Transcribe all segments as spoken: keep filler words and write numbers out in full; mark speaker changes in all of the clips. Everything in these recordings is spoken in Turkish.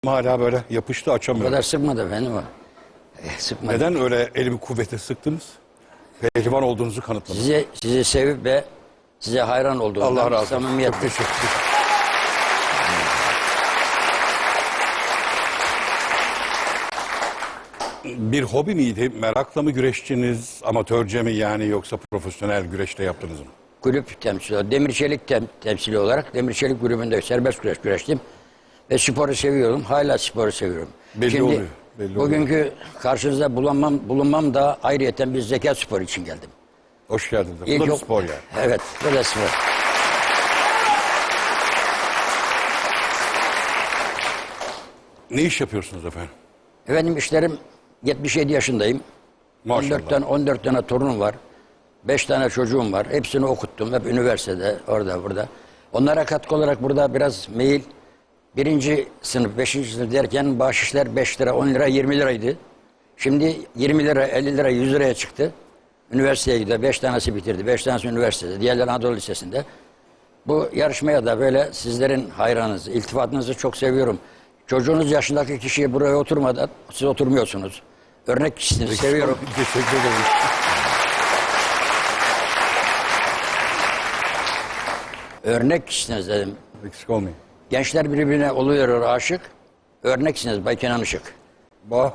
Speaker 1: Hala böyle yapıştı,
Speaker 2: O
Speaker 1: açamıyorum.
Speaker 2: kadar sıkmadı efendim o. E, sıkmadı.
Speaker 1: Neden öyle elimi kuvvete sıktınız? Pehlivan olduğunuzu kanıtladınız.
Speaker 2: Sizi, sizi sevip ve size hayran olduğundan
Speaker 1: Allah razı olsun.
Speaker 2: samimiyetle.
Speaker 1: Çok teşekkür ederim. Bir hobi miydi? Merakla mı güreştiniz? Amatörce mi yani, yoksa profesyonel güreşte yaptınız mı?
Speaker 2: Kulüp temsili, demir çelik tem, temsili olarak demir çelik kulübünde serbest güreş güreştim. Ve sporu seviyorum. Hala sporu seviyorum.
Speaker 1: Belli
Speaker 2: Şimdi,
Speaker 1: oluyor, belli
Speaker 2: bugünkü karşınızda bulunmam, bulunmam da ayrıyeten bir zeka sporu için geldim.
Speaker 1: Hoş geldiniz. Bu
Speaker 2: İlk
Speaker 1: da bir
Speaker 2: yok-
Speaker 1: spor yani.
Speaker 2: Evet, bu da spor.
Speaker 1: Ne iş yapıyorsunuz efendim?
Speaker 2: Efendim işlerim yetmiş yedi yaşındayım.
Speaker 1: Maşallah.
Speaker 2: on dört tane, on dört tane torunum var. beş tane çocuğum var. Hepsini okuttum. Hep üniversitede, orada, burada. Onlara katkı olarak burada biraz mail. Birinci sınıf, beşinci sınıf derken bahşişler beş lira, on lira, yirmi liraydı. Şimdi yirmi lira, elli lira, yüz liraya çıktı. Üniversiteye gidiyor. Beş tanesi bitirdi. Beş tanesi üniversitede. Diğerleri Anadolu Lisesi'nde. Bu yarışmaya da böyle sizlerin hayranınızı, iltifatınızı çok seviyorum. Çocuğunuz yaşındaki kişiye buraya oturmadan siz oturmuyorsunuz. Örnek kişisiniz. Seviyorum.
Speaker 1: Teşekkür ederim.
Speaker 2: Örnek kişisiniz dedim.
Speaker 1: Eksik olmayın.
Speaker 2: Gençler birbirine oluyor aşık. Örneksiniz Bay Kenan Işık.
Speaker 1: Bah.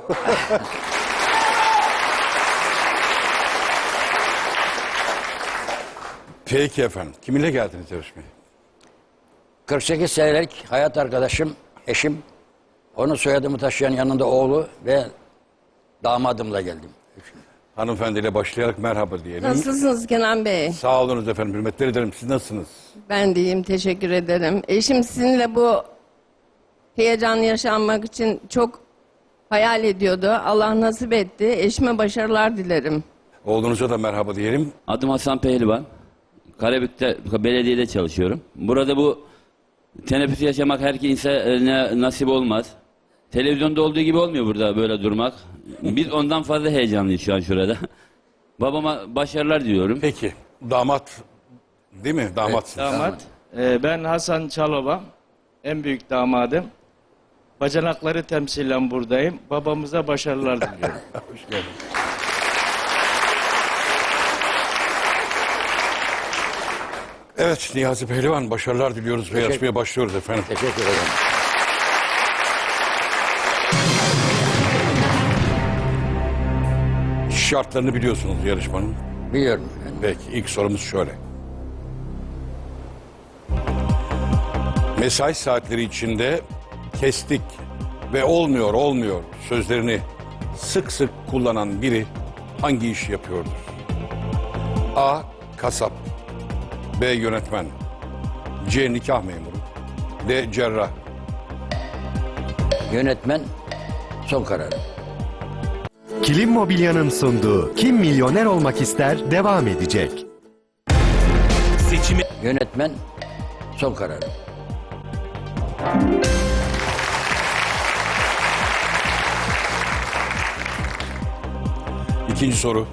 Speaker 1: Peki efendim. Kiminle geldiniz yarışmaya?
Speaker 2: kırk sekiz senelik hayat arkadaşım, eşim. Onun soyadımı taşıyan yanında oğlu ve damadımla geldim.
Speaker 1: Hanımefendiyle başlayarak merhaba diyelim.
Speaker 3: Nasılsınız Kenan Bey?
Speaker 1: Sağ olunuz efendim. Hürmetler ederim. Siz nasılsınız?
Speaker 3: Ben de iyiyim, teşekkür ederim. Eşim sizinle bu heyecanı yaşanmak için çok hayal ediyordu. Allah nasip etti. Eşime başarılar dilerim.
Speaker 1: Oğlunuza da merhaba diyelim.
Speaker 4: Adım Hasan Pehlivan. Karabük'te belediyede çalışıyorum. Burada bu teneffüs yaşamak her insana nasip olmaz. Televizyonda olduğu gibi olmuyor burada böyle durmak. Biz ondan fazla heyecanlıyız şu an şurada. Babama başarılar diliyorum.
Speaker 1: Peki. Damat değil mi? Damatsınız.
Speaker 5: Damat. Ee, ben Hasan Çalova. En büyük damadım. Bacanakları temsilen buradayım. Babamıza başarılar diliyorum.
Speaker 1: Hoş geldiniz. Evet Niyazi Pehlivan, başarılar diliyoruz ve yarışmaya başlıyoruz efendim.
Speaker 2: Teşekkür ederim.
Speaker 1: Şartlarını biliyorsunuz yarışmanın.
Speaker 2: Biliyorum. efendim.
Speaker 1: Peki ilk sorumuz şöyle. Mesai saatleri içinde kestik ve olmuyor olmuyor sözlerini sık sık kullanan biri hangi işi yapıyordur? A. Kasap. B. Yönetmen. C. Nikah memuru. D. Cerrah.
Speaker 2: Yönetmen son kararı.
Speaker 6: Kilim Mobilya'nın sunduğu Kim Milyoner Olmak İster devam edecek.
Speaker 2: Yönetmen son kararı.
Speaker 1: İkinci soru.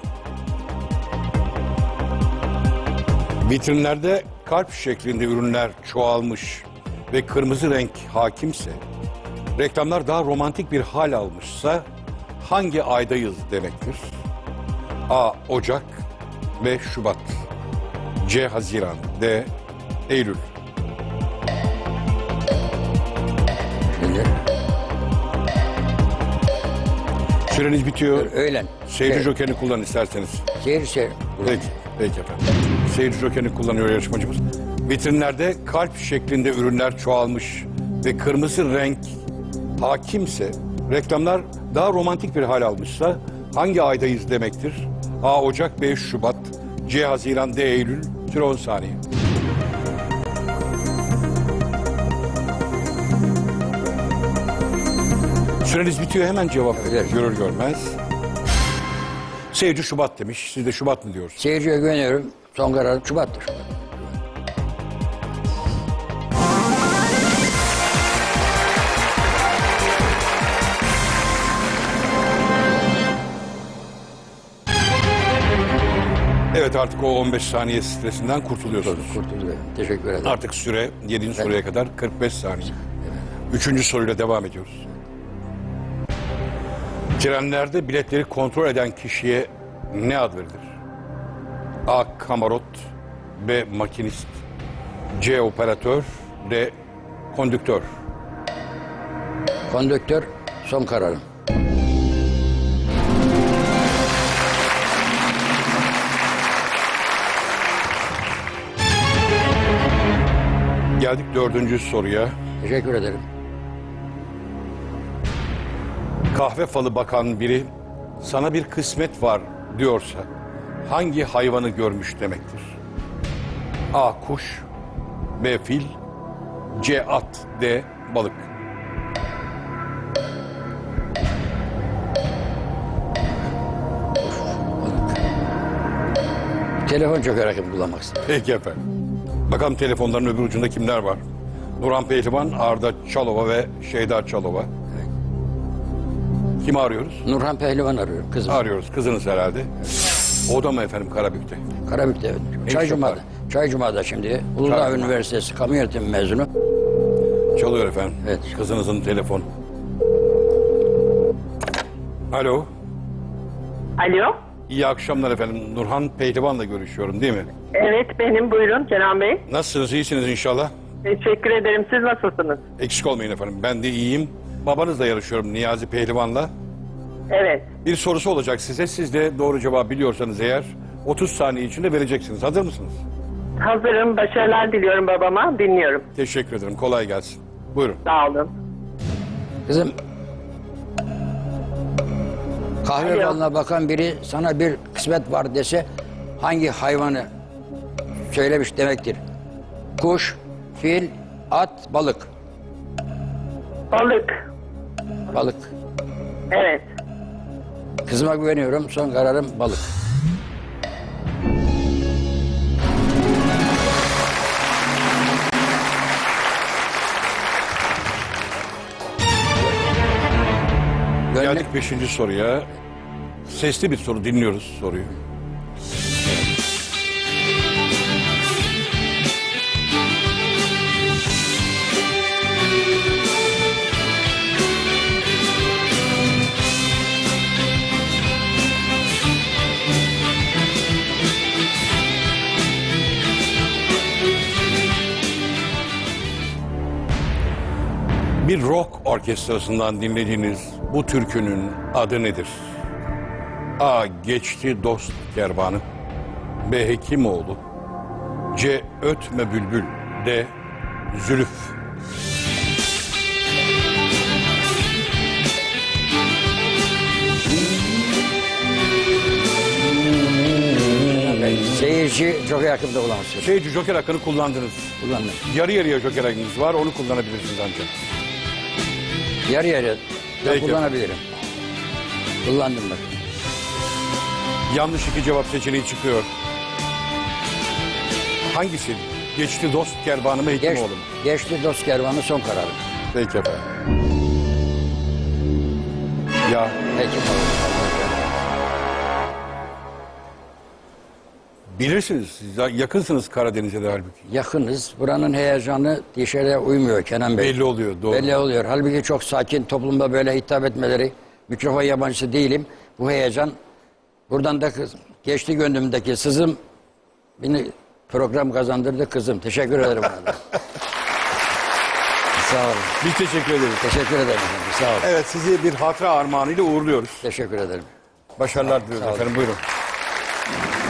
Speaker 1: Vitrinlerde kalp şeklinde ürünler çoğalmış ve kırmızı renk hakimse, reklamlar daha romantik bir hal almışsa hangi aydayız demektir? A. Ocak. B. Şubat. C. Haziran. D. Eylül.
Speaker 2: Şimdi
Speaker 1: Süreniz bitiyor.
Speaker 2: öğlen.
Speaker 1: Seyirci
Speaker 2: Evet.
Speaker 1: jokerini kullanın isterseniz.
Speaker 2: Seyir seyir.
Speaker 1: Peki, peki efendim. Seyirci jokerini kullanıyor yarışmacımız. Vitrinlerde kalp şeklinde ürünler çoğalmış ve kırmızı renk hakimse, reklamlar daha romantik bir hal almışsa hangi aydayız demektir? A. Ocak. B. Şubat. C. Haziran. D. Eylül. Süre on saniye. Süreniz bitiyor, hemen cevap verin.
Speaker 2: Evet.
Speaker 1: Görür görmez. Seyirci Şubat demiş. Siz de Şubat mı diyorsunuz?
Speaker 2: Seyirciye güveniyorum. Son kararı Şubat'tır.
Speaker 1: Evet, artık o on beş saniye stresinden kurtuluyorsunuz.
Speaker 2: Kurtuldum. Teşekkür ederim.
Speaker 1: Artık süre yedinci soruya kadar kırk beş saniye. Üçüncü soruyla devam ediyoruz. Trenlerde biletleri kontrol eden kişiye ne ad verilir? A. Kamarot, B. Makinist, C. Operatör, D. Kondüktör.
Speaker 2: Kondüktör son kararım.
Speaker 1: Geldik dördüncü soruya.
Speaker 2: Teşekkür ederim.
Speaker 1: Kahve falı bakan biri sana bir kısmet var diyorsa hangi hayvanı görmüş demektir? A. Kuş, B. Fil, C. At, D. Balık.
Speaker 2: Telefon çökerek kullanmak istedim.
Speaker 1: Peki efendim. Bakalım telefonların öbür ucunda kimler var? Nurhan Pehlivan, Arda Çalova ve Şeyda Çalova. Kimi arıyoruz?
Speaker 2: Nurhan Pehlivan arıyorum kızım.
Speaker 1: Arıyoruz. Kızınız herhalde. O da mı efendim Karabük'te?
Speaker 2: Karabük'te.
Speaker 1: Ne
Speaker 2: Çaycuma'da.
Speaker 1: iş yapar?
Speaker 2: Çaycuma'da şimdi. Uludağ
Speaker 1: Çaycuma.
Speaker 2: Üniversitesi kamu yönetimi mezunu.
Speaker 1: Çalıyor efendim.
Speaker 2: Evet.
Speaker 1: Kızınızın telefonu. Alo.
Speaker 7: Alo.
Speaker 1: İyi akşamlar efendim. Nurhan Pehlivan'la görüşüyorum değil mi?
Speaker 7: Evet benim, buyurun Kenan Bey.
Speaker 1: Nasılsınız? İyisiniz inşallah.
Speaker 7: Teşekkür ederim. Siz nasılsınız?
Speaker 1: Eksik olmayın efendim. Ben de iyiyim. Babanızla yarışıyorum Niyazi Pehlivan'la.
Speaker 7: Evet.
Speaker 1: Bir sorusu olacak size. Siz de doğru cevabı biliyorsanız eğer otuz saniye içinde vereceksiniz. Hazır mısınız?
Speaker 7: Hazırım. Başarılar diliyorum babama. Dinliyorum.
Speaker 1: Teşekkür ederim. Kolay gelsin. Buyurun.
Speaker 7: Sağ olun.
Speaker 2: Kızım. Kahve
Speaker 7: Alo.
Speaker 2: falına bakan biri sana bir kısmet var dese hangi hayvanı söylemiş demektir? Kuş, fil, at, balık.
Speaker 7: Balık.
Speaker 2: Balık.
Speaker 7: Evet.
Speaker 2: Kızıma güveniyorum. Son kararım balık. Gönlük,
Speaker 1: Geldik beşinci soruya. Sesli bir soru. Dinliyoruz soruyu. Bir rock orkestrasından dinlediğiniz bu türkünün adı nedir? A. Geçti Dost Kervanı, B. Hekimoğlu, C. Ötme Bülbül, D. Zülüf.
Speaker 2: seyirci çok yakında bulamazsın.
Speaker 1: Şeyci Joker hakkını kullandınız.
Speaker 2: Kullandım.
Speaker 1: Yarı yarıya Joker hakkınız var, onu kullanabilirsiniz ancak.
Speaker 2: Yarı yarıya da
Speaker 1: Peki.
Speaker 2: kullanabilirim. Kullandım bak.
Speaker 1: Yanlış iki cevap seçeneği çıkıyor. Hangisi? Geçti Dost Kervanı mı
Speaker 2: Geç,
Speaker 1: Hekimoğlu mu?
Speaker 2: geçti dost kervanı son kararım.
Speaker 1: Peki efendim. Ya
Speaker 2: Hekimoğlu.
Speaker 1: bilirsiniz, siz ya- yakınsınız Karadeniz'e de halbuki.
Speaker 2: Yakınız. Buranın heyecanı dışarıya uymuyor Kenan Bey.
Speaker 1: Belli oluyor, doğru.
Speaker 2: Belli oluyor. Halbuki çok sakin toplumda böyle hitap etmeleri, mikrofon yabancısı değilim. Bu heyecan buradan da kız, geçti gönlümdeki sızım beni program kazandırdı kızım. Teşekkür ederim ona da. Sağ olun.
Speaker 1: Biz teşekkür ederiz.
Speaker 2: Teşekkür ederim efendim. Sağ olun.
Speaker 1: Evet, sizi bir hatıra armağanıyla uğurluyoruz.
Speaker 2: Teşekkür ederim.
Speaker 1: Başarılar diliyoruz
Speaker 2: Sağ olun.
Speaker 1: efendim, buyurun.